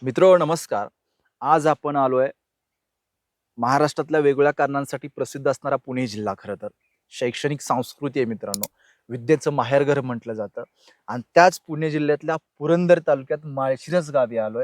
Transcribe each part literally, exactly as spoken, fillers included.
मित्र नमस्कार. आज आपण आलोय महाराष्ट्रातल्या वेगवेगळ्या कारणांसाठी प्रसिद्ध असणारा पुणे जिल्हा. खरं तर शैक्षणिक संस्कृती आहे मित्रांनो, विद्येचं माहेरघर म्हटलं जातं. आणि त्याच पुणे जिल्ह्यातल्या पुरंदर तालुक्यात माळशिरस गावी आलोय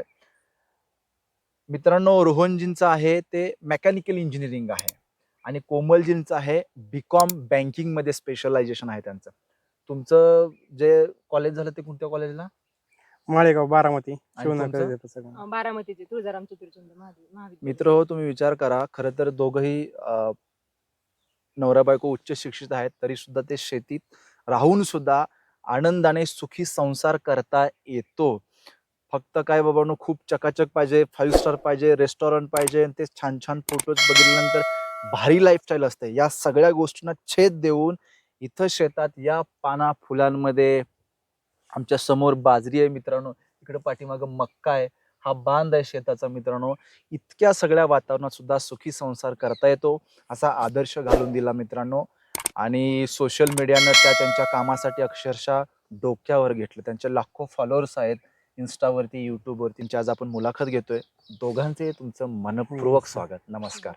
मित्रांनो. रोहनजींचं आहे ते मेकॅनिकल इंजिनिअरिंग आहे आणि कोमलजींचं आहे बीकॉम बँकिंग मध्ये स्पेशलायझेशन आहे त्यांचं. तुमचं जे कॉलेज झालं ते कोणत्या कॉलेजला? माळेगाव, बारामती, आणि शिवनगर तुमचं? येतं सगळं. अं, बारामतीचे तुळजाराम चतुर्चंद महावि- महाविद्यालय. मित्र हो, तुम्ही विचार करा. खरं तर दोघंही अ, नवरा बायको उच्च शिक्षित आहेत, तरी सुद्धा ते शेतीत राहून सुद्धा आनंदाने सुखी संसार करता येतो. फक्त काय बाबांनो, खूप चकाचक पाहिजे, फाईव्ह स्टार पाहिजे, रेस्टॉरंट पाहिजे, आणि ते छान छान फोटोज बघितल्यानंतर भारी लाईफस्टाईल असते. या सगळ्या गोष्टींना छेद देऊन इथं शेतात या पाना फुलांमध्ये आमच्या समोर बाजरी आहे मित्रांनो, इकडे पाठीमागं मक्का आहे, हा बांध आहे शेताचा मित्रांनो. इतक्या सगळ्या वातावरणात सुद्धा सुखी संसार करता येतो असा आदर्श घालून दिला मित्रांनो. आणि सोशल मीडियानं त्या त्यांच्या कामासाठी अक्षरशः डोक्यावर घेतलं. त्यांचे लाखो फॉलोअर्स आहेत इन्स्टावरती, युट्यूबवरती. त्यांची आज आपण मुलाखत घेतोय. दोघांचे तुमचं मनपूर्वक स्वागत. नमस्कार.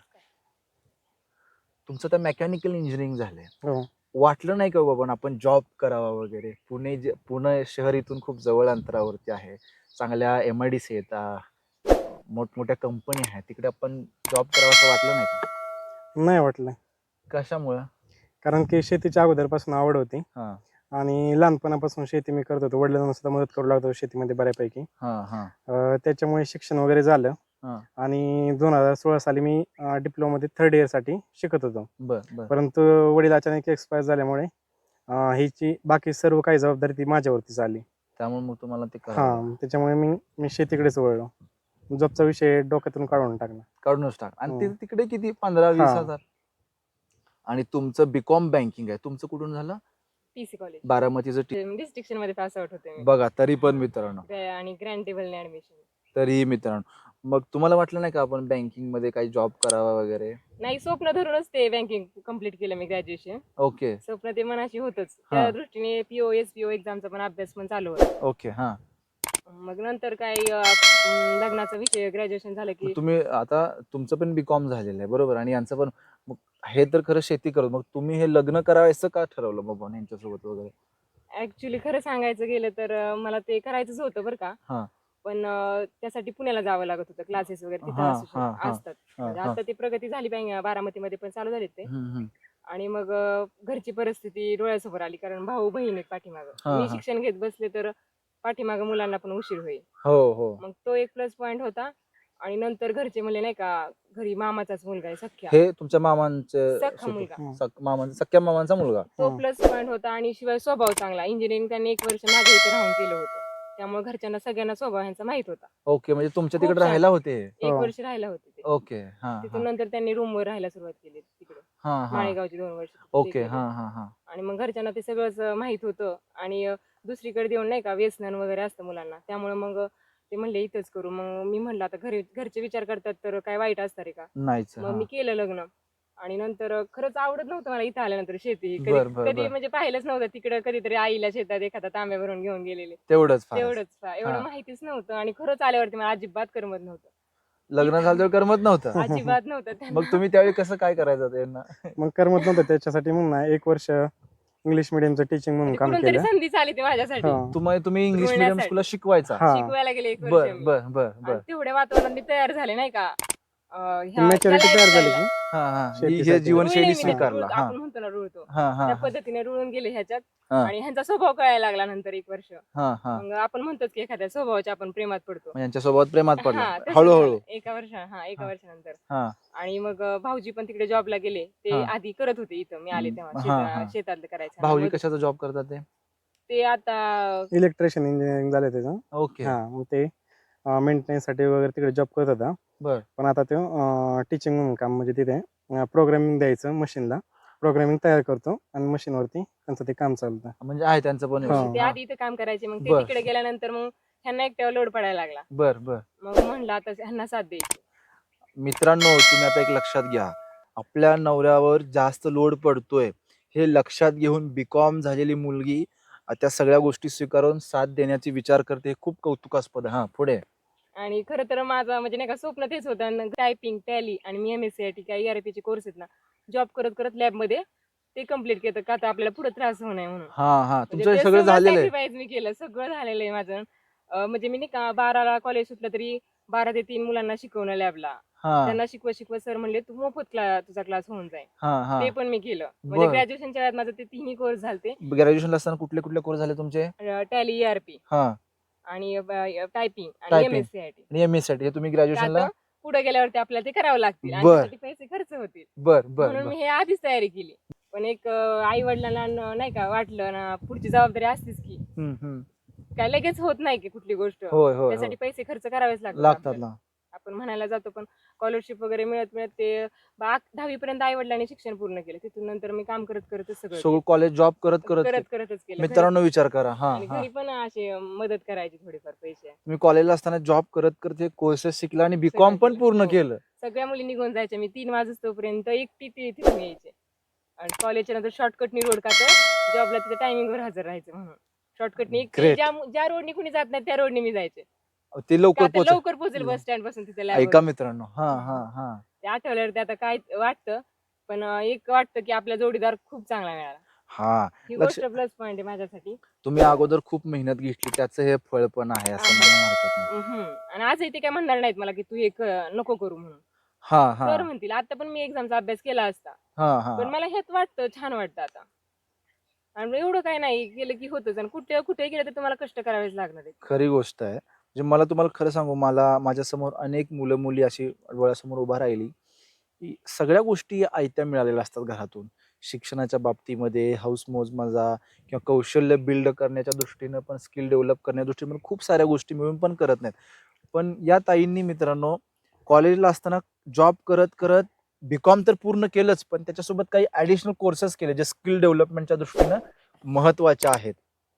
तुमचं तर मेकॅनिकल इंजिनिअरिंग झालंय, हो. वाटलं नाही का बाबा आपण जॉब करावा वगैरे? पुणे जे- पुणे शहर इथून खूप जवळ अंतरावरती आहे, चांगल्या एम आय डी सी आहेत, मोठमोठ्या कंपनी आहेत, तिकडे आपण जॉब करावा असं वाटलं नाही का? नाही वाटलं, कशामुळं? कारण की शेतीच्या अगोदरपासून आवड होती हा आणि लहानपणापासून शेती मी करत होतो. वडिलांना सुद्धा मदत करू लागतो शेतीमध्ये बऱ्यापैकी. हा हा अं, त्याच्यामुळे शिक्षण वगैरे झालं हा आणि दोन हजार सोळा साली मी डिप्लोमा मध्ये थर्ड इयर साठी शिकत होतो. बर बर परंतु वडील अचानक एक्सपायर झाल्यामुळे अं, हीची बाकी सर्व काही जबाबदारी ती माझ्यावरतीच आली. त्यामुळे मग तुम्हाला ते हा करावं लागलं. त्याच्यामुळे मी मी शेतीकडेच वळलो. जॉबचा विषय डोक्यातून काढून टाकला. काढूनच टाक. आणि ते हम्म. तिकडे किती, पंधरा वीस हा. हजार आणि तुमचं बीकॉम बँकिंग आहे. तुमचं कुठून झालं? पीसी कॉलेज बारामतीचं टी- डिस्ट्रिक्शन मध्ये पास आउट होते मी. बघा, तरी पण मित्रांनो, ग्रॅ- आणि ग्रँड टेबलने ऍडमिशन. तरीही मित्रांनो, मग तुम्हाला वाटलं नाही का आपण बँकिंग मध्ये काही जॉब करावा वगैरे? नाही, स्वप्न धरूनच ते बँकिंग कम्प्लीट केलं मी ग्रॅज्युएशन. ओके स्वप्न ते मनाशी होतच, हा. त्या दृष्टीने पीओ एस पीओ एक्झामचा पण अभ्यास पण चालू होता. ओके हा. मग नंतर काही अं, लग्नाचा विषय, ग्रॅज्युएशन झालं की मग तुम्ही आता, तुमचं पण बीकॉम झालेलं आहे बरोबर, आणि यांचं पण. मग हे तर खरं शेती करत, मग तुम्ही हे लग्न करायचं का ठरवलं बाबा यांच्यासोबत वगैरे? ऍक्च्युली खरं सांगायचं गेलं तर अं, मला ते करायचंच होतं बरं का. हा. पण अं, त्यासाठी पुण्याला जावं लागत होतं, क्लासेस वगैरे तिथं हा, असू शक- हा, हा, असतात. हा, म्हणजे हा. आता ती प्रगती झाली बँक बारामतीमध्ये पण चालू झाले ते. हम्म, हम्म. आणि मग अं, घरची परिस्थिती डोळ्यासमोर आली, कारण भाऊ बहीण आहेत पाठीमागं. हा, मी हा. शिक्षण घेत बसले तर पाठीमागं मुलांना पण उशीर होईल. हो हो. मग तो एक प्लस पॉइंट होता. आणि नंतर घरचे म्हणले नाही का, घरी मामाचाच मुलगा आहे सख्या, हे तुमच्या मामांचे सख्खा सुपु- मुलगा. हम्म. सख- मामांचा, सख्या मामांचा मुलगा? तो हम्म. प्लस पॉइंट होता. आणि शिवाय स्वभाव चांगला. इंजिनिअरिंग त्यांनी एक वर्ष माझ्या इथे राहून केलं होतं, त्यामुळे घरच्यांना सगळ्यांना स्वभाव ह्यांचा माहित होता. ओके, म्हणजे तुमच्या खूप तिकडे छान. राहायला होते? एक हो. वर्ष राहायला होते ते. ओके हा हा तिथून नंतर त्यांनी रूमवर राहायला सुरुवात केली तिकडे, हा हा. माळेगावची दोन वर्ष तिथे ओके केली. हा हा हा. आणि मग घरच्यांना ते सगळंच माहित होतं. आणि अं, दुसरीकडे देऊन नाही का व्यसन वगैरे असतं मुलांना, त्यामुळे मग ते म्हणले इथंच करू. मग मी म्हणलं आता घरी घरचे विचार करतात तर काय वाईट असतं रे का. नाहीच. मग हा. मी केलं लग्न. आणि नंतर अं, खरंच आवडत नव्हतं मला इथं आल्यानंतर शेती. बर, कधी बर, कधी बर. म्हणजे पाहिलंच नव्हतं तिकडं. कधीतरी आईला शेतात एखादा तांब्या भरून घेऊन गेलेले, तेवढंच फार. तेवढंच फा- एवढं हा. माहितीच नव्हतं. आणि खरंच आल्यावरती मला अजिबात करमत नव्हतं. लग्न झालं तर करमत नव्हतं? अजिबात नव्हतं मग त्यांना. तुम्ही त्यावेळी कसं काय करायचं त्यांना? मग करमत नव्हतं, त्याच्यासाठी म्हणून ना एक वर्ष इंग्लिश मिडियमचं टीचिंग म्हणून म्हणजे काम कुठून तरी केलं. संधी आली ती माझ्यासाठी. हा. तुम्ही तुम्ही इंग्लिश मिडियम जुळण्यासाठी. स्कूलला शिकवायचा? हा. शिकवायला गेले एक वर्ष बर मी. बर बर आणि बर. तेवढ्या वातावरणात मी तयार झाले नाही का. अं, ह्या- मॅच्युरिटी त्या तयार झाली lifestyle ला. की हा हा. ही- शेतीसाठी. हे जीवनशैली रुळले मी त्यात, स्वीकारला. रुळ- हा आपण म्हणतो ना रुळतो, हा हा त्या हा पद्धतीने रुळून गेले ह्याच्यात. हा. आणि ह्यांचा स्वभाव कळायला लागला नंतर एक वर्ष. हा हा. मग आपण म्हणतो की एखाद्या स्वभावाच्या आपण प्रेमात पडतो. मग यांच्यासोबत प्रेमात पडला हा, तसंच हळूहळू? झालं. एका वर्ष हा एका हा. वर्षानंतर. हा आणि मग अं, भाऊजी पण तिकडे जॉबला गेले. ते हा. आधी करत होते इथं, मी आले तेव्हा हा, शेता- हा. शेतातलं करायचं. भाऊजी मग कशाचा जॉब करतात ते? ते आता इलेक्ट्रिशियन इंजिनिअरिंग झालं त्याचं. ओके हा, मग ते मेंटेनन्स साठी वगैरे तिकडे जॉब करत होता. बर. पण आता तो टीचिंग म्हणून काम, म्हणजे तिथे प्रोग्रामिंग द्यायचं मशीनला, प्रोग्रामिंग तयार करतो आणि मशीनवरती त्यांचं ते काम चालतं. म्हणजे आहे त्यांचं पण हा. व्यवसाय. ते हा. आधी इथं काम करायचे. मग ते बर. तिकडे गेल्यानंतर मग ह्यांना एकट्यावर लोड पडायला लागला. बर बर. मग म्हणलं आता ह्यांना साथ द्यायची. मित्रांनो, तुम्ही आता एक लक्षात घ्या, आपल्या नवऱ्यावर जास्त लोड पडतोय हे लक्षात घेऊन बीकॉम झालेली मुलगी अ, त्या सगळ्या गोष्टी स्वीकारून साथ देण्याची विचार करते, हे खूप कौतुकास्पद आहे. हा, पुढे. आणि खरं तर माझं म्हणजे नाही का स्वप्न तेच होतं, टायपिंग, टॅली आणि मी M S C I T काय ईआरपी चे कोर्स आहेत ना, जॉब करत करत लॅबमध्ये ते कम्प्लीट केलं का आता आपल्याला पुढे त्रास होऊ नये म्हणून. हा हा म्हणजे तुमचं हे ते सगळं सगळं झालेलं आहे. सॅक्रिफाईस मी केलं, सगळं झालेलं आहे माझं. अं, म्हणजे मी नाही का बाराला कॉलेज सुटलं तरी बारा ते तीन मुलांना शिकवणं लॅबला. हा त्यांना शिकवत शिकवत सर म्हणले तू मोफत क्ला तुझा क्लास होऊन जाईल. हा हा ते पण मी केलं. म्हणजे बर. ग्रॅज्युएशनच्या वेळात माझं ते तिन्ही कोर्स झालते. ग्रॅज्युएशनला असताना कुठले कुठले कोर्स झाले तुमचे? टॅली, ईआरपी हा आणि टायपिंग आणि टायपिंग एमएससीआयटी. आणि एम एस साठी हे तुम्ही का ग्रॅज्युएशनला? तर पुढे गेल्यावरती आपल्याला ते करावं लागतील आणि बर त्यासाठी पैसे खर्च होतील. बर बर म्हणून बर मी हे आधीच तयारी केली. पण एक आई वडिलांना नाही का वाटलं ना, पुढची जबाबदारी असतीच की, हम्म हम्म काय लगेच होत नाही की कुठली गोष्ट. होय होय त्यासाठी होय पैसे खर्च करावेच लागतात लागतात आपल्याला. ना. आपण म्हणायला जातो पण स्कॉलरशिप वगैरे मिळत मिळत ते दहावी पर्यंत आई वडिलांनी शिक्षण पूर्ण केलं. तिथून नंतर मी काम करत करतच सगळं सगळं केलं. कॉलेज जॉब करत करत करत के- करतच केलं घरी. मित्रांनो विचार करा. हा आणि हा घरी पण असे मदत करायची थोडीफार पैसे. तुम्ही कॉलेजला असताना जॉब करत करत हे कोर्सेस शिकला आणि सगळं बीकॉम पण केलं. पूर्ण हो. केलं. सगळ्या मुली निघून जायच्या. मी तीन वाजतोपर्यंत एकटी ती तिथून यायचे. आणि कॉलेजच्या नंतर शॉर्टकटनी रोड का तर जॉबला तिथे टायमिंगवर हजर राहायचं म्हणून. शॉर्टकटनी एकटी ग्रेट. ज्या ज्या रोडनी कुणी जात नाही त्या रोडनी मी जायचे. ते का लवकर तर पोहोच. लवकर पोहोचेल बस स्टँड पासून तिथे ऐका लॅबवर. मित्रांनो. हा हा हा ते आठवल्यावर ते आता काय वाटतं, पण अं, एक वाटतं की आपला जोडीदार खूप चांगला मिळाला. हा ही लक्ष. गोष्ट प्लस पॉईंट आहे माझ्यासाठी. तुम्ही अगोदर खूप मेहनत घेतली त्याचं हे फळ पण आहे असं आहे. म्हणायला हरकत नाही. हम्म. आणि आजही ते काय म्हणणार नाहीत मला की तू हे क- नको करू म्हणून. हा हा कर म्हणतील. आता पण मी एक्झामचा अभ्यास केला असता. हा हा पण मला हेच वाटतं, छान वाटतं आता. आणि एवढं काय नाही केलं की होतच. आणि कुठे कुठे गेलं तर तुम्हाला कष्ट करावेच लागणार आहेत. खरी गोष्ट आहे. म्हणजे मला तुम्हाला खरं सांगू, मला माझ्यासमोर अनेक मुलं मुली अशी डोळ्यासमोर उभा राहिली की सगळ्या गोष्टी आयत्या मिळालेल्या असतात घरातून. शिक्षणाच्या बाबतीमध्ये हौस मौज मजा किंवा कौशल्य बिल्ड करण्याच्या दृष्टीनं पण, स्किल डेव्हलप करण्याच्या दृष्टीनं पण खूप साऱ्या गोष्टी मिळून पण करत नाहीत. पण या ताईंनी मित्रांनो कॉलेजला असताना जॉब करत करत बीकॉम तर पूर्ण केलंच, पण त्याच्यासोबत काही ऍडिशनल कोर्सेस केले जे स्किल डेव्हलपमेंटच्या दृष्टीनं महत्वाचे आहेत.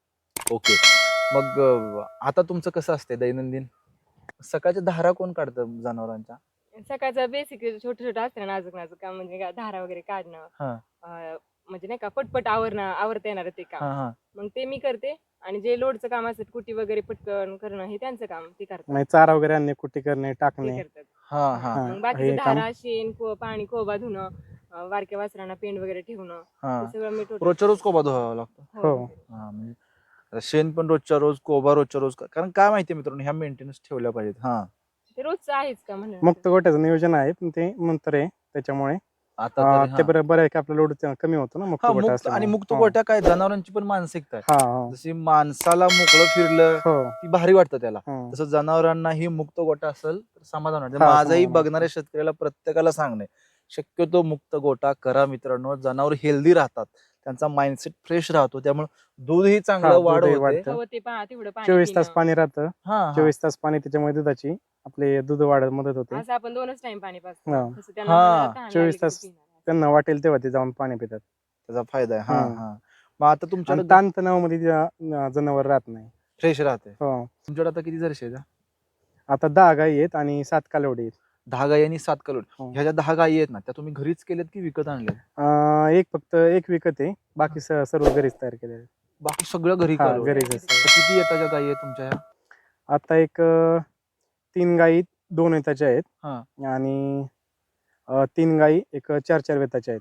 ओके. मग अं, आता तुमचं कसं असते दैनंदिन? सकाळच्या धारा कोण काढतं जनावरांच्या? सकाळचं बेसिक छोटं छोटं असतं ना, नाजूक नाजूक काम, म्हणजे का धारा वगैरे काढणं, हा अं, म्हणजे नाही का पटपट आवरणं आवरता येणार ते काम. हा हा मग ते मी करते. आणि जे लोडचं काम असतं कुटी वगैरे पटकन करणं हे त्यांचं काम, ते करतात. नाही चारा वगैरे आणणे, कुट्टी करणे, ते टाकणे. करतात. हा हा हा मग बाकीचं हे काम धारा, शेण, को- पाणी, कोबा धुणं, अं, बारक्या वासरांना पेंड वगैरे ठेवणं, हा ते सगळं मी टोटल. रोजच्या रोज कोबा धुवावा लागतो. हो. हा म्हणजे शेण पण रोजच्या रोज, कोबा रोजच्या रोज, कारण काय माहितीये मित्रांनो, ह्या मेंटेनन्स ठेवल्या पाहिजेत. हा ते रोजचं आहेच का म्हणलं. मुक्त गोट्याचं नियोजन आहे, पण ते नंतर आहे त्याच्यामुळे आता अं, तरी ते हा बरं बरं आहे की आपला लोड कमी होतो ना मुक्त हा गोटा मुक्त. आणि असल्यामुळे. मुक्त हो. गोट्या काय जनावरांची पण मानसिकता आहे. हा हा जशी माणसाला मोकळं फिरलं हो ती भारी वाटतं त्याला, हं. तसं जनावरांनाही मुक्त गोटा असेल तर समाधान वाटतं. हा, माझंही समाधान बघणाऱ्या शेतकऱ्याला प्रत्येकाला सांगणे, शक्यतो मुक्त गोटा करा मित्रांनो. जनावर हेल्दी राहतात, त्यांचा माइंडसेट फ्रेश राहतो, त्यामुळे दूधही हा चांगलं वाढ दूधही होते. वाढतं. हवं ते पहा तेवढं पाणी चोवीस तास पिणं. पाणी राहतं. हा हा चोवीस तास पाणी, त्याच्यामुळे दुधाची आपले दूध वाढत मदत होते. असं आपण दोनच टाइम पाणी पाजतो. हा. तसं त्यांना हा. मनाला तहान लागली चोवीस की तास ते पिणार. त्यांना वाटेल तेव्हा ते जाऊन पाणी पितात. त्याचा फायदा आहे. हा हम्म. हा मग आता आणि तुमच्याकडे ताण तणावामध्ये जनावर राहत नाही. फ्रेश राहते. हो. तुमच्याकडे आता किती जर्शी आहेत? आता दहा गाई आहेत आणि सात कालवडी आहेत. दहा गाई आणि सात कलोड. हो. ह्या ज्या दहा गायी आहेत ना, त्या तुम्ही घरीच केल्यात की विकत आणल्यात? अं, एक फक्त एक विकत आहे, बाकी स- सर्व घरीच तयार केले आहे. बाकी सगळं घरी हा, कालवड. घरीच आहे तर सर्व. किती येतात ज्या गायी आहेत तुमच्या ह्या? आता एक अं, तीन गाई दोन वेताच्या आहेत हा आणि अं, तीन गाई एक चार चार वेताच्या आहेत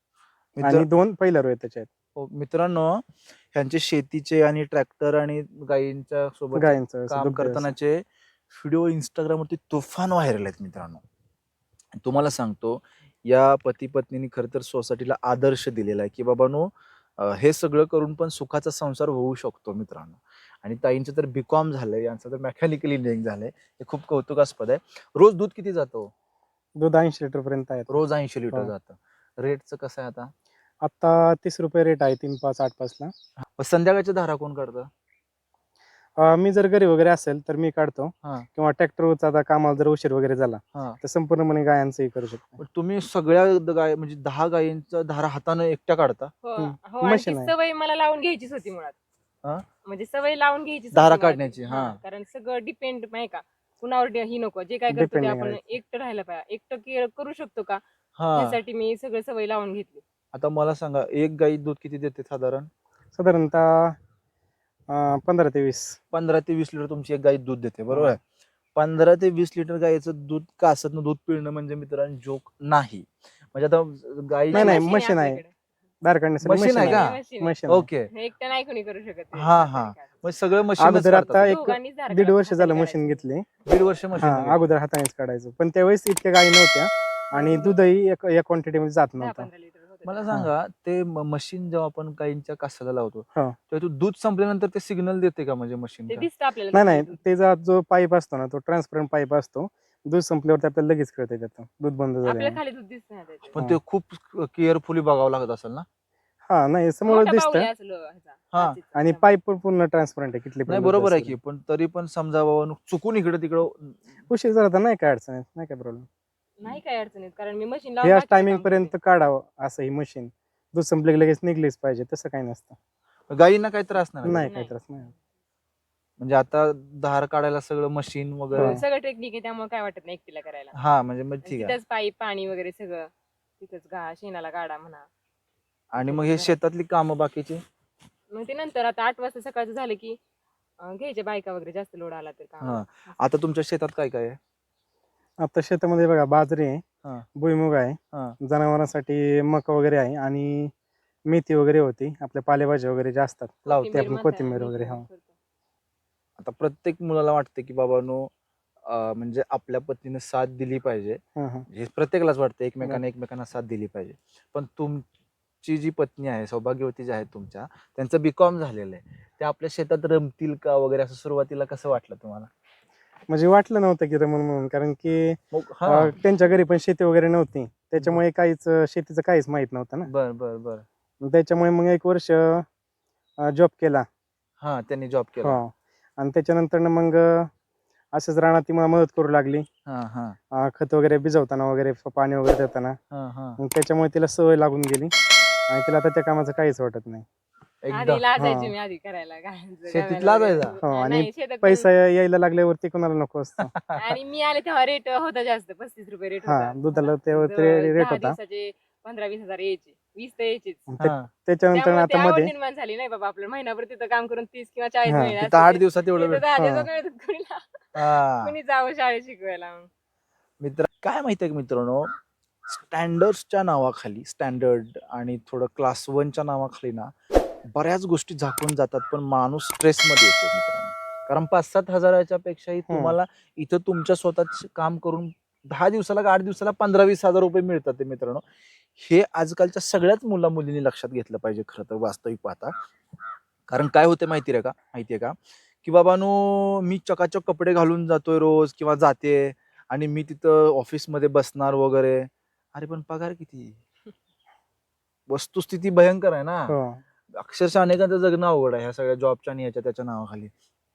मित्र आणि दोन पहिल्या वेताच्या आहेत. हो, मित्रांनो ह्यांचे शेतीचे आणि ट्रॅक्टर आणि गायींच्या सोबत गायींचं असं काम दुग्ध व्यवसाय. करतानाचे व्हिडिओ इंस्टाग्रामवरती तुफान व्हायरल आहेत मित्रांनो. तुम्हाला सांगतो, या पती पत्नीने खरं तर सोसायटीला आदर्श दिलेला आहे की बाबांनो, अं, हे सगळं करून पण सुखाचा संसार होऊ शकतो मित्रांनो. आणि ताईंचं तर बीकॉम झालंय, यांचं तर मेकॅनिकल इंजिनिअरिंग झालंय. हे खूप कौतुकास्पद आहे. रोज दूध किती जातो? दूध ऐंशी लिटर पर्यंत आहेत. रोज ऐंशी लिटर हो. जातं. रेटचं कसं आहे आता? आता तीस रुपये रेट आहे तीन पाच आठ पाच ला. मग संध्याकाळच्या धारा कोण काढतं? अं, मी जर घरी वगैरे असेल तर मी काढतो, हा किंवा ट्रॅक्टरचा आता कामाला जर उशीर वगैरे झाला हा तर संपूर्णपणे गायांचंही करू शकतो. पण तुम्ही सगळ्या द- गाय म्हणजे दहा गायींचा धारा हाताने एकट्या काढता? हो हम्म. हो. आणि ती मशीन आहे. सवय मला लावून घ्यायचीच होती मुळात. हा? म्हणजे सवय लावून घ्यायची धारा काढण्याची, हा. कारण सगळं डिपेंड नाही का कुणावर डे- ही नको, जे काय करतो ते Depending आपण राहायचं. एकटं राहायला पाहिजे. एकटं के- करू शकतो का हा यासाठी मी सगळं सवय लावून घेतली. आता मला सांगा, एक गाई दूध किती देते साधारण? साधारणतः अं, पंधरा ते वीस. पंधरा ते वीस लिटर तुमची एक गाई दूध देते, बरोबर आहे? पंधरा ते वीस लिटर गाईचं दूध कासतनं दूध पिळणं म्हणजे मित्रांनो जोक नाही. म्हणजे आता गाई नाही, नाही, मशीन मशीन आहे. आपल्याकडे. दार काढण्यासाठी मशीन आहे का? मशीन आहे. मशीन आहे. ओके. हे एकटं नाही कोणी करू शकत ते. हा हा मग सगळं मशीनच अगोदर आता काढतात. एक दोघांनीच धार दीड काढ- वर्ष झालं हाताने मशीन काढायचं. घेतली. दीड वर्ष हा मशीन अगोदर हातानेच काढायचो, पण त्यावेळेस इतक्या गायी नव्हत्या आणि दूधही एक या क्वांटिटी मध्ये जात दहा नव्हतं. पंधरा लिटर होतं मला तेव्हा. सांगा ते मशीन जेव्हा आपण गाईंच्या कासाला लावतो हा. तेव्हा तो दूध संपल्यानंतर ते सिग्नल देते का म्हणजे मशीन ते का? दिसतं आपल्याला. नाही नाही, दूध. त्याचा जो पाईप असतो ना तो ट्रान्सपरंट पाईप असतो. दूध संपल्यावरती आपल्याला लगेच कळतं त्याचं दूध बंद आपल्याला झालं. खाली दूध दिसतं ना त्याच्यात. पण हा. ते खूप केअरफुली बघावं लागत असेल ना. हा नाही समोर मोठा दिसतं बाहुली असलं ह्याचा, हा. काचेचा. आणि पाईप पण पूर्ण ट्रान्सपरंट आहे किटली नाही बरोबर आहे की पण तरी पण समजा बाबा चुकून इकडे तिकडं उशीर झाला तर नाही काय अडचण येत, नाही काय प्रॉब्लेम. नाही काय अडचण येत कारण मी मशीन ह्याच टायमिंग पर्यंत काढावं असं ही मशीन दूध संपले की लगेच निघलीच पाहिजे तसं काही नसतं. गायींना काही त्रास नाही ना? नाही नाही. काही त्रास नाही. म्हणजे आता धार काढायला सगळं मशीन वगैरे हा. सगळं टेक्निक आहे त्यामुळे काय वाटत नाही एकटीला करायला. हा म्हणजे मग ठीक आहे. तिथंच पाईप पाणी वगैरे सगळं तिथंच गा शेणाला गाडा म्हणा. आणि मग हे शेतातली कामं बाकीची मग ते नंतर आता आठ वाजता सकाळचं झालं की अं, घ्यायच्या बायका वगैरे जास्त लोड आला तर काम. हा. आता तुमच्या शेतात काय काय आहे? आता शेतामध्ये बघा बाजरी आहे, हा. भुईमुग आहे, हा. जनावरांसाठी मका वगैरे आहे आणि मेथी वगैरे होती, आपल्या पालेभाज्या वगैरे जे असतात लावते ते आपण म्हणता कोथिंबीर मी वगैरे, पण हा. करतो. आता प्रत्येक मुलाला वाटतं की बाबानो अं, म्हणजे आपल्या पत्नीने साथ दिली पाहिजे. हा, हा. हे प्रत्येकालाच वाटतं एकमेकांना एकमेकांना साथ दिली पाहिजे. पण तुमची जी पत्नी आहे सौभाग्यवती जी आहे तुमच्या त्यांचं बीकॉम झालेलं आहे ते आपल्या शेतात रमतील का वगैरे असं सुरुवातीला कसं वाटलं तुम्हाला? म्हणजे वाटलं नव्हतं की रमण म्हणून, कारण की मग हा अं, त्यांच्या घरी पण शेती वगैरे नव्हती, त्याच्यामुळे काहीच अं, शेतीचं काहीच माहित नव्हतं ना. बर बर बर मग त्याच्यामुळे मग एक वर्ष जॉब केला. हा त्यांनी जॉब केला. हो. आणि त्याच्यानंतर मग अं, असंच राहणार ती मला मदत करू लागली, हा हा अं, खत वगैरे भिजवताना वगैरे पाणी वगैरे देताना. हा हा मग त्याच्यामुळे तिला सवय लागून गेली आणि तिला आता त्या कामाचं काहीच वाटत नाही. एकदा आधी लाजायची हा. मी आधी करायला गायांचं, शेतीत गव्याला लाजायचा? वगैरे. हो, हा, आणि नाही, शेतात पण- पैसा यायला लागल्यावरती कोणाला नको असतं. आणि मी आले तेव्हा रेट होता जास्त पस्तीस रुपये रेट हा, होता. दुधाला मला. तेव्हा दूध, ते rate दहा होता. दिवसाचे पंधरा वीस हजार यायचे, वीस तर यायचेच. ते- हा. त्याच्यानंतर त्यामुळे ते आता आवड मध्ये निर्माण झाली नाही बाबा आपलं महिनाभर तिथं काम करून तीस किंवा चाळीस हा, महिने तिथं आठ दिवसात एवढं वेळ. दहा हा. दिवसात मिळत कुणीला हा. कुणी जावं शाळेत शिकवायला मग. मित्र काय माहितीये का मित्रांनो स्टँडर्डच्या नावाखाली स्टँडर्ड आणि थोडं क्लास वनच्या नावाखाली ना बऱ्याच गोष्टी झाकून जातात पण माणूस स्ट्रेसमध्ये येतो मित्रांनो. कारण पाच सात हजाराच्या पेक्षाही हम्म. तुम्हाला इथं तुमच्या स्वतःच काम करून दहा दिवसाला का आठ दिवसाला पंधरा वीस हजार रुपये मिळतात ते मित्रांनो. हे आजकालच्या सगळ्याच मुला मुलींनी लक्षात घेतलं पाहिजे खरं तर वास्तविक पाहता. कारण काय होते माहितीये का माहितीये का की बाबानो मी चकाचक कपडे घालून जातोय रोज किंवा जाते आणि मी तिथं ऑफिसमध्ये बसणार वगैरे. अरे पण पगार किती? वस्तुस्थिती भयंकर आहे ना. हो. अक्षरशः अनेकांचं जगणं अवघड आहे ह्या सगळ्या जॉबच्या आणि याच्या त्याच्या नावाखाली.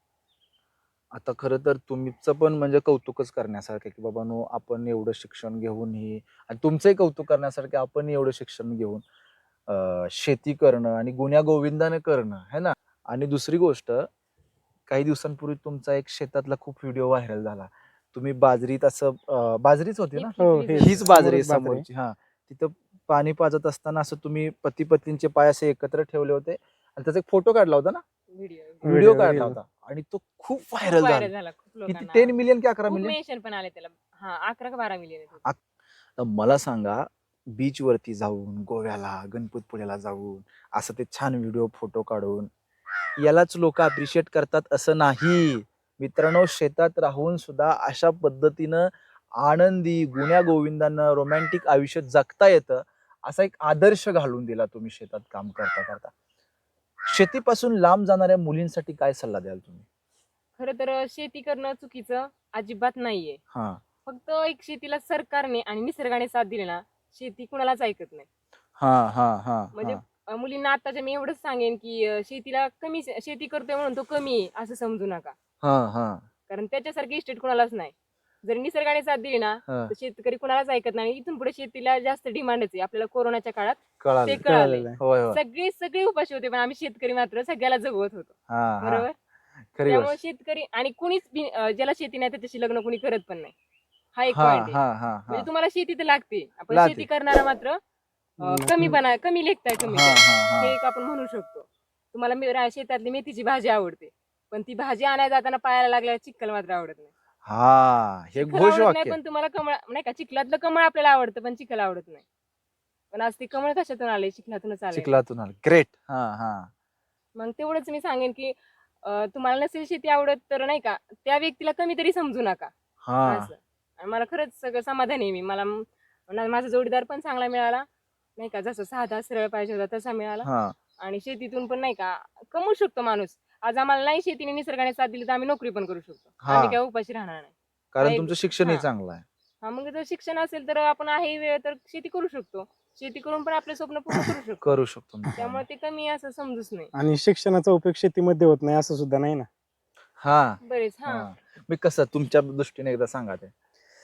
आता खरं तर तुमचं पण म्हणजे कौतुकच करण्यासारखं की बाबा नो आपण एवढं शिक्षण घेऊनही आणि तुमचंही कौतुक करण्यासारखं आपण एवढं शिक्षण घेऊन अं, शेती करणं आणि गुण्या गोविंदाने करणं है ना. आणि दुसरी गोष्ट काही दिवसांपूर्वी तुमचा एक शेतातला खूप व्हिडिओ व्हायरल झाला. तुम्ही बाजरीत असं अं, बाजरीच होती ना? हो, हीच- हे- हीच- हीच बाजरी आहे समोरच बाजरी. समोरची. हा तिथं पाणी पाजत असताना असं तुम्ही पती पत्नींचे पाय असे एकत्र ठेवले होते आणि त्याचा एक फोटो काढला होता ना. व्हिडिओ व्हिडिओ Video, काढला reel. होता आणि तो खूप खूप व्हायरल व्हायरल झाला. झाला खूप किती लोकांना टेन मिलियन की अकरा खूप मिलियन? मेन्शन पण आले त्याला. हा अकरा का बारा मिलियन तर मला सांगा बीच वरती जाऊन गोव्याला गणपतपुळ्याला जाऊन असं ते छान व्हिडिओ फोटो काढून यालाच लोक अप्रिशिएट करतात असं नाही मित्रांनो. शेतात राहून सुद्धा अशा पद्धतीनं आनंदी गुण्या गोविंदानं रोमॅन्टिक आयुष्य जगता येतं असा एक आदर्श घालून दिला तुम्ही शेतात काम करता करता. शेतीपासून लांब जाणाऱ्या मुलींसाठी काय सल्ला द्याल तुम्ही? खरं तर शेती करणं चुकीचं अजिबात नाहीये. हा फक्त एक शेतीला सरकारने आणि निसर्गाने साथ दिली ना शेती कुणालाच ऐकत नाही. हा हा हा म्हणजे हा. अं, मुलींना आताच्या मी एवढंच सांगेन की अं, शेतीला कमी शेती करतोय म्हणून तो कमी आहे असं समजू नका. हा हा कारण त्याच्यासारखी इस्टेट कुणालाच नाही. जर निसर्गाने साथ दिली ना हा. तर शेतकरी कुणालाच ऐकत नाही. इथून पुढे शेतीला जास्त डिमांडच आहे. आपल्याला कोरोनाच्या काळात ते कळालं. कळालंय. कळालेलं आहे. होय होय. सगळे सगळे उपाशी होते पण आम्ही शेतकरी मात्र सगळ्याला जगवत होतो. हा हा बरोबर. खरी त्यामुळे गोष्ट. शेतकरी आणि कुणीच बी- अं, ज्याला शेती नाही त्याच्याशी लग्न कुणी करत पण नाही. हा एक हा पॉइंट आहे. हा हा हा म्हणजे तुम्हाला शेती तर लागते. आपण लागते. शेती करणारा मात्र अं, हम्म. कमी बना कमी लेखताय कमी हा आहे. हा हे हा एक आपण म्हणू शकतो. तुम्हाला मे- रा- शेतातली मेथीची भाजी आवडते पण ती भाजी आणायला जाताना पायाला लागल्यावर चिक्कल मात्र आवडत नाही. हा हे चिखल घोष आवडत नाही वाक्य पण तुम्हाला कमळ नाही का, चिखलातलं कमळ आपल्याला आवडतं पण चिखल आवडत नाही. पण आज ते कमळ कशातून आले, चिखलातूनच आले. चिखलातून आलं. ग्रेट. हा हा मग तेवढंच मी सांगेन की अं, तुम्हाला नसेल शेती आवडत तर नाही का, त्या व्यक्तीला कमी तरी समजू नका हा असं. आणि मला खरंच सगळं समाधान आहे. मी मला म- ना- माझा जोडीदार पण चांगला मिळाला नाही का, जसं साधा सरळ पाहिजे होता तसा मिळाला. हा आणि शेतीतून पण नाही का कमवू शकतो माणूस. आज आम्हाला नाही शेतीने निसर्गाने साथ दिली तर आम्ही नोकरी पण करू शकतो. हा. आम्ही काय उपाशी राहणार नाही. कारण नाही, तुमचं शिक्षणही हा. चांगलं आहे. हा मग जर शिक्षण असेल तर आपण आहे वेळ तर शेती करू शकतो. शेती करून पण आपले स्वप्न पूर्ण करू शकतो. करू शकतो मित्रांनो. त्यामुळे ते कमी असं समजूच नाही. आणि शिक्षणाचा उपयोग शेतीमध्ये होत नाही असं सुद्धा नाही ना. हा बरेच हा हा मी कसं तुमच्या दृष्टीने एकदा सांगा ते.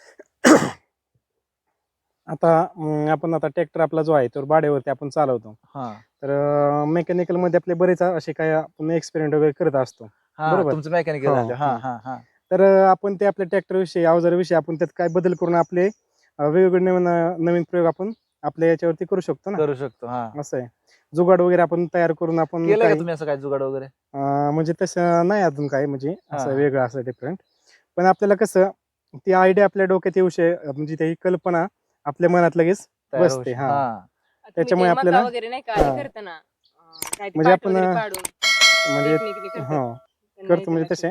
आता अं, आपण आता ट्रॅक्टर आपला जो आहे तो भाड्यावरती आपण चालवतो. हा तर मेकॅनिकल मध्ये आपले बरेच असे काय आपण एक्सपेरिमेंट वगैरे करत असतो. हा बरोबर. तुमचं मेकॅनिकल हो, झालं. हा हो. हा हा तर अं, आपण ते आपल्या ट्रॅक्टर विषयी अवजाराविषयी आपण त्यात काय बदल करून आपले अं, वेगवेगळे नवीन अं, नवीन प्रयोग आपण आपल्या याच्यावरती करू शकतो ना. करू शकतो. हा असं आहे. जुगाड वगैरे आपण तयार करून आपण केलंय का काही तुम्ही असं काय जुगाड वगैरे? अं, म्हणजे तसं नाही अजून काय म्हणजे हा, असं हा. वेगळं असं डिफरंट. पण आपल्याला कसं ती आयडिया आपल्या डोक्यात येऊ शे म्हणजे ती कल्पना आपल्या मनात लगेच तयार होऊ बसते. शकतो. हा हा तुम्ही त्याच्यामुळे ते मका आपल्याला वगैरे नाही का हा. हे करताना अं, काय ते म्हणजे पाट आपण वगैरे अं, पाडून म्हणजे टेक्निकली करतात. हो त्यांना करतो येतं म्हणजे लक्षात. तसे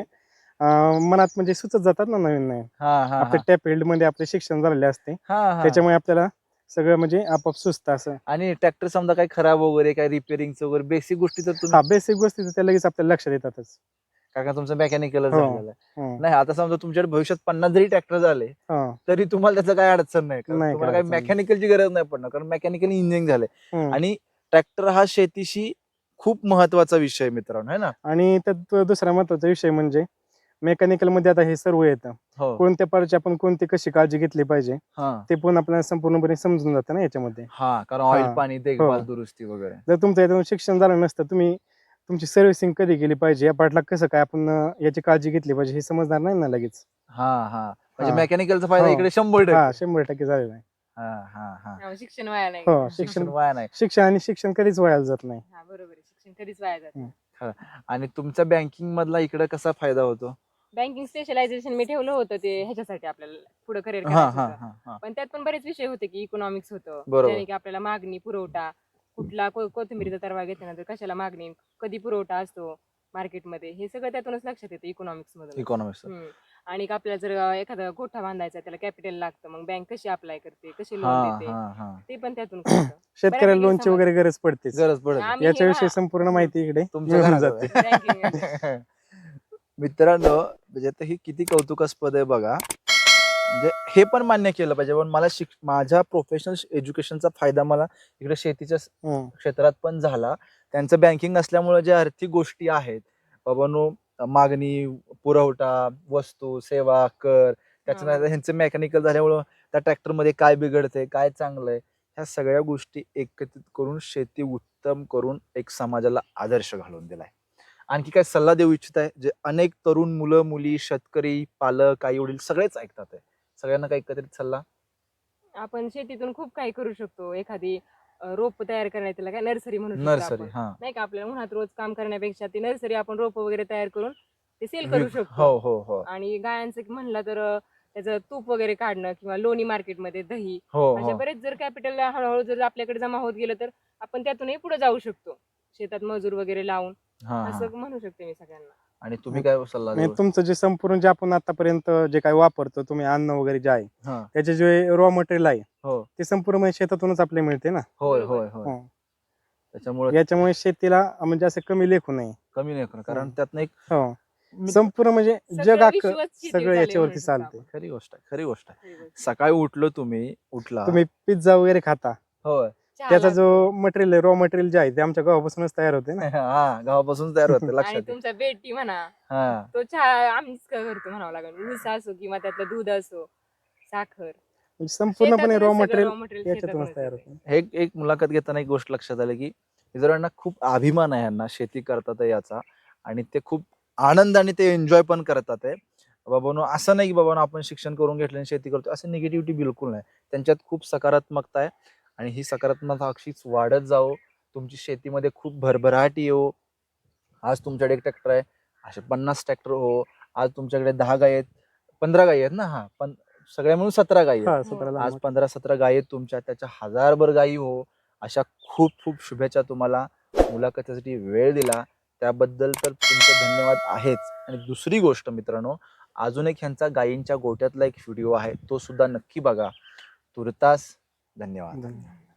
अं, मनात म्हणजे सुचत जातात ना नवीन नवीन. हा हा आपल्या हा त्या फील्डमध्ये आपले शिक्षण झालेले असते. हा हा त्याच्यामुळे आपल्याला सगळं म्हणजे आपोआप सुचतं असं. आणि ट्रॅक्टर समजा काही खराब वगैरे काही रिपेअरिंगचं वगैरे बेसिक गोष्टी तर तुम्ही हा बेसिक गोष्टी तर त्या लगेच आपल्याला लक्षात येतातच. कारण तुमचं मेकॅनिकलच हो झालेलं आहे. हो नाही आता समजा तुमच्याकडे भविष्यात पन्नास जरी ट्रॅक्टर झाले हो तरी तुम्हाला त्याचं काही अडचण नाही. कारण नाही तुम्हाला काय काही अडचण नाही. मेकॅनिकलची गरज नाही पडणार कारण मेकॅनिकल इंजिनिअरिंग झालंय. हम्म. आणि ट्रॅक्टर हा शेतीशी खूप महत्वाचा विषय आहे मित्रांनो, है ना. आणि त्यात दुसरा महत्वाचा विषय म्हणजे मेकॅनिकल मध्ये आता हे सर्व येतं. हो कोणत्या पार्टची आपण कोणती कशी काळजी घेतली पाहिजे हा ते पण आपल्याला संपूर्णपणे समजून जातं ना याच्यामध्ये. हा कारण ऑइल हा. पाणी देखभाल दुरुस्ती वगैरे. जर तुमचं यातून शिक्षण झालं नसतं तुम्ही तुमची सर्व्हिसिंग कधी केली पाहिजे या पार्टला कसं काय आपण अं, याची काळजी घेतली पाहिजे हे समजणार नाही ना लगेच. हा हा म्हणजे हा. मेकॅनिकलचा फायदा हो. इकडे शंभर हा टक्के. शंभर टक्के झालेलं आहे. हा हा हा त्यामुळे शिक्षण वाया नाही हो गेलं. शिक्षण शिक्षण वाया नाही. शिक्षण आणि शिक्षण कधीच व्हायला जात नाही. हा बरोबर आहे. शिक्षण कधीच वाया जात नाही. आणि तुमचा बँकिंग मधला इकडे कसा फायदा होतो? बँकिंग स्पेशलायझेशन मी ठेवलं होतं ते ह्याच्यासाठी आपल्याला पुढे करिअर हा करायचं हा होतं. हा हा पण त्यात पण बरेच विषय होते की इकॉनॉमिक्स होतं, बरोबर. ज्याने की आपल्याला मागणी पुरवठा कुठला को- कोथिंबीरीचा तरवा घेतल्यानंतर कशाला मागणी कधी पुरवठा असतो मार्केटमध्ये हे सगळं त्यातूनच लक्षात येतं इकॉनॉमिक्स मधून. इकॉनॉमिक्स. आणि एक आपल्याला जर अं, एखादा गोठा बांधायचा त्याला कॅपिटल लागतं, मग बँक कशी अप्लाय करते कशी हा लोन देते हा हा ते पण त्यातून कळतं. शेतकऱ्याला बऱ्यापैकी लोनची समजतं. वगैरे गरज पडतेच. गरज पडत आम्ही हे याच्याविषयी ना- संपूर्ण माहिती इकडे तुमच्या मिळून घराजवळ जाते. Banking मध्ये. मित्रांनो म्हणजे आता ही किती कौतुकास्पद आहे बघा. म्हणजे हे पण मान्य केलं पाहिजे पण मला शिक माझ्या प्रोफेशनल एज्युकेशनचा फायदा मला इकडे शेतीच्या हम्म. क्षेत्रात पण झाला. त्यांचं बँकिंग असल्यामुळे ज्या आर्थिक गोष्टी आहेत बाबांनो मागणी पुरवठा वस्तू सेवा कर त्याच्यानंतर हा. ह्यांचं मेकॅनिकल झाल्यामुळं त्या ट्रॅक्टरमध्ये काय बिघडतंय काय चांगलंय ह्या सगळ्या गोष्टी एकत्रित करून शेती उत्तम करून एक समाजाला आदर्श घालून दिलाय. आणखी काय सल्ला देऊ इच्छित आहे जे अनेक तरुण मुलं मुली शेतकरी पालक आई वडील सगळेच ऐकतात आहे सगळ्यांना काही एकत्रित सल्ला? आपण शेतीतून खूप काही करू शकतो. एखादी अं, रोप तयार करण्यात त्याला काय नर्सरी म्हणू शकतो नर्सरी. आपण. हा नाही का आपल्याला उन्हात रोज काम करण्यापेक्षा ती नर्सरी आपण रोप वगैरे तयार करून ते सेल करू विक- शकतो. हो हो हो आणि गायांचं म्हणलं तर अं, त्याचं तूप वगैरे काढणं किंवा लोणी मार्केटमध्ये दही हो अशा हो बरेच जर कॅपिटल हळूहळू जर आपल्याकडे जमा होत गेलं तर आपण त्यातूनही पुढे जाऊ शकतो शेतात मजूर वगैरे लावून. हा हा असं म्हणू शकते मी सगळ्यांना. आणि तुम्ही काय सल्ला म्हणजे देऊ? तुमचं जे संपूर्ण जे आपण आतापर्यंत जे काही वापरतो तुम्ही अन्न वगैरे जे आहे हा त्याचे जे रॉ मटेरियल आहे हो ते संपूर्ण म्हणजे शेतातूनच आपल्याला मिळते ना. होय बरोबर. होय होय हं. त्याच्यामुळे याच्यामुळे शेतीला म्हणजे असं कमी लेखू नये. कमी नाही होणार कारण हं. त्यातनं एक हो मित्र- संपूर्ण म्हणजे सगळं जग अख्खं विश्वच शेतीवर सगळं चाललंय याच्यावरती म्हणू शकतो चालते. आपण. खरी गोष्ट आहे खरी गोष्ट आहे. खरी गोष्ट. सकाळी उठलो तुम्ही उठला तुम्ही पिझ्झा वगैरे खाता होय चहा त्याचा जो लागतो. मटेरियल रॉ मटेरियल जे आहे ते आमच्या गावापासूनच तयार होते ना. हा गावापासून तयार होते आणि लक्षात आहे. तुमचा बेटी म्हणा हा तो चहा आम्हीच करतो म्हणावं लागेल. ऊस असो किंवा त्यातलं दूध असो साखर म्हणजे संपूर्णपणे शेतातूनच रॉ सगळं मटेरियल raw material याच्यातूनच शेतातूनच तयार येतंय. होते. एक एक मुलाखत घेताना एक गोष्ट लक्षात आली की इतरांना खूप अभिमान आहे यांना शेती करतात आहे याचा आणि ते खूप आनंदाने ते एन्जॉय पण करतात आहे. बाबांनो असं नाही की बाबांनो आपण शिक्षण करून घेतलं आणि शेती करतो असं निगेटिव्हिटी बिलकुल नाही. त्यांच्यात खूप सकारात्मकता आहे आणि ही सकारात्मकता अशीच वाढत जावो. तुमची शेतीमध्ये खूप भरभराट येऊ. आज तुमच्याकडे एक ट्रॅक्टर आहे असे पन्नास ट्रॅक्टर हो. आज तुमच्याकडे दहा गाय आहेत पंधरा गायी आहेत ना? हा पण सगळ्या मिळून सतरा गायी आहेत. हा सतरा लहान आज मोठे. पंधरा सतरा गायी आहेत तुमच्या, त्याच्या हजारभर गायी हो. अशा खूप खूप शुभेच्छा तुम्हाला. मुलाखतीसाठी वेळ दिला त्याबद्दल तर तुमचे धन्यवाद आहेच. आणि दुसरी गोष्ट मित्रांनो, अजून एक ह्यांचा गायींच्या गोट्यातला एक व्हिडिओ आहे, तो सुद्धा नक्की बघा. तुर्तास धन्यवाद. धन्यवाद.